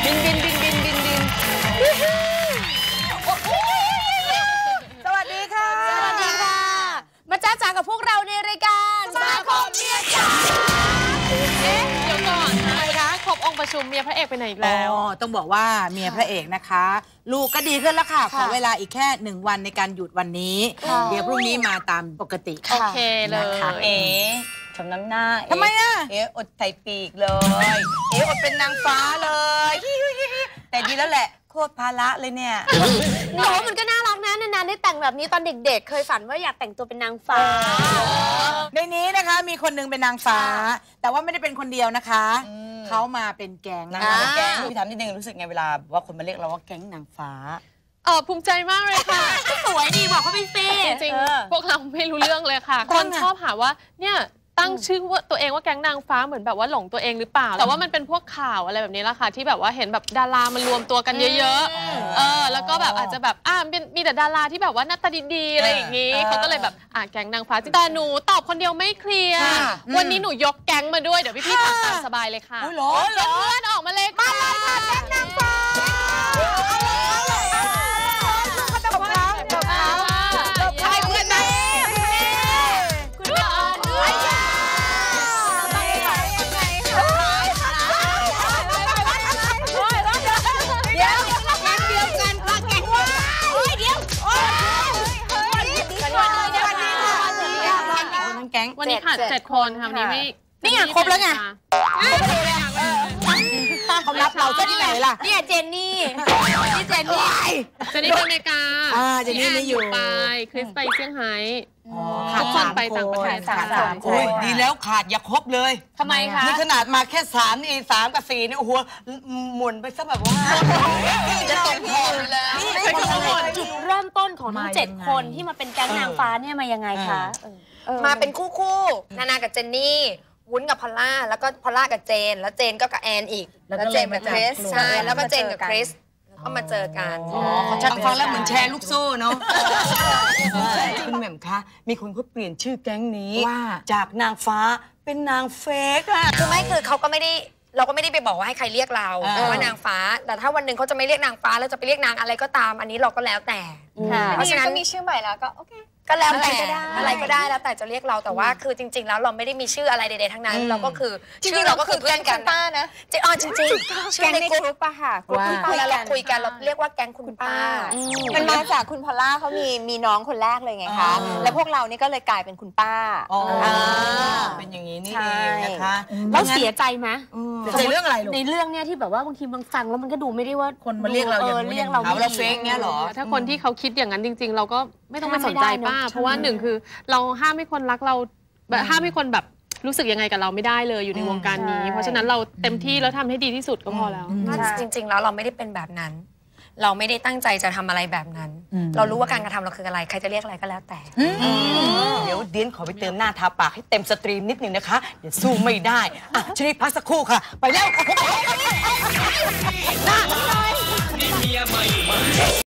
บินสวัสดีค่ะสวัสดีค่ะมาจ้าจ๋ากับพวกเราในรายการสมาคมเมียจ๋าเดี๋ยวก่อนอะไรคะครบองค์ประชุมเมียพระเอกไปไหนอีกแล้วต้องบอกว่าเมียพระเอกนะคะลูกก็ดีขึ้นแล้วค่ะขอเวลาอีกแค่1 วันในการหยุดวันนี้เดี๋ยวพรุ่งนี้มาตามปกติโอเคเลยชมน้ำหน้าทำไมอะอดไถ่ปีกเลยอดเป็นนางฟ้าเลยแต่ดีแล้วแหละโคตรภาระเลยเนี่ยโน้มันก็น่ารักนะนานๆได้แต่งแบบนี้ตอนเด็กๆเคยฝันว่าอยากแต่งตัวเป็นนางฟ้าในนี้นะคะมีคนนึงเป็นนางฟ้าแต่ว่าไม่ได้เป็นคนเดียวนะคะเขามาเป็นแก๊งแก๊งพี่ถามนิดนึงรู้สึกไงเวลาว่าคนมาเรียกเราว่าแก๊งนางฟ้าภูมิใจมากเลยค่ะสวยดีบอกเขาไปสิจริงพวกเราไม่รู้เรื่องเลยค่ะคนชอบหาว่าเนี่ยตั้งชื่อว่าตัวเองว่าแก๊งนางฟ้าเหมือนแบบว่าหลงตัวเองหรือเปล่าแต่ว่ามันเป็นพวกข่าวอะไรแบบนี้แหละค่ะที่แบบว่าเห็นแบบดารามันรวมตัวกันเยอะๆแล้วก็แบบอาจจะแบบมีแต่ดาราที่แบบว่าหน้าตาดีๆอะไรอย่างนี้เขาก็เลยแบบแก๊งนางฟ้าแต่หนูตอบคนเดียวไม่เคลียร์วันนี้หนูยกแก๊งมาด้วยเดี๋ยวพี่ๆทำตามสบายเลยค่ะเหรอเพื่อนออกมาเลยค่ะแก๊งนางฟ้าวันนี้ขาด7 คนค่ะวันนี้ไม่นี่ไงครบแล้วไงเขารับเราจะที่ไหนล่ะเนี่ยเจนนี่เจนนี่ไปอเมริกาเจนนี่ไม่อยู่ไปคริสไปเซี่ยงไฮทุกคนไปต่างประเทศ 3 คนดีแล้วขาดอย่าครบเลยทำไมคะนี่ขนาดมาแค่3นี่3 กับ 4เนี่ยโอ้โหหมุนไปซะแบบว่าจะตกพอแล้วจุดเริ่มต้นของทั้ง7 คนที่มาเป็นแก๊งนางฟ้าเนี่ยมายังไงคะมาเป็นคู่นากับเจนนี่วุ้นกับพอลล่าแล้วก็พอลล่ากับเจนแล้วเจนก็กับแอนอีกแล้วเจนกับคริสใช่แล้วก็เจนกับคริสก็มาเจอกันฟังแล้วเหมือนแชร์ลูกโซ่เนาะคุณแหม่มคะมีคนเขาเปลี่ยนชื่อแก๊งนี้จากนางฟ้าเป็นนางเฟกอะคือไม่คือเขาก็ไม่ได้เราก็ไม่ได้ไปบอกว่าให้ใครเรียกเราว่านางฟ้าแต่ถ้าวันหนึ่งเขาจะไม่เรียกนางฟ้าแล้วจะไปเรียกนางอะไรก็ตามอันนี้เราก็แล้วแต่เพราะฉะนั้นก็มีชื่อใหม่แล้วก็โอเคก็แล้วแต่อะไรก็ได้แล้วแต่จะเรียกเราแต่ว่าคือจริงๆแล้วเราไม่ได้มีชื่ออะไรใดๆทั้งนั้นเราก็คือชื่อเราก็คือเพื่อนกันป้านะจริงๆชื่อในกลุ่มป้าค่ะเวลาเราคุยกันเราเรียกว่าแก๊งคุณป้ามันมาจากคุณพอลล่าเขามีน้องคนแรกเลยไงคะแล้วพวกเรานี่ก็เลยกลายเป็นคุณป้าเป็นอย่างนี้นี่เองนะคะแล้วเสียใจไหมในเรื่องอะไรในเรื่องเนี้ยที่แบบว่าบางทีบางฟังแล้วมันก็ดูไม่ได้ว่าคนมาเรียกเราเรียกเราเฟกเงี้ยหรอถ้าคนที่เขาคิดอย่างนั้นจริงๆเราก็ไม่ต้องไปสนใจป้าเพราะว่า1คือเราห้ามให้คนรักเราแบบห้ามให้คนแบบรู้สึกยังไงกับเราไม่ได้เลยอยู่ในวงการนี้เพราะฉะนั้นเราเต็มที่แล้วทำให้ดีที่สุดก็พอแล้วจริงๆแล้วเราไม่ได้เป็นแบบนั้นเราไม่ได้ตั้งใจจะทำอะไรแบบนั้นเรารู้ว่าการกระทำเราคืออะไรใครจะเรียกอะไรก็แล้วแต่เดี๋ยวเดียนขอไปเติมหน้าทาปากให้เต็มสตรีมนิดนึงนะคะเดี๋ยวสู้ไม่ได้ชนิดพักสักครู่ค่ะไปแล้ว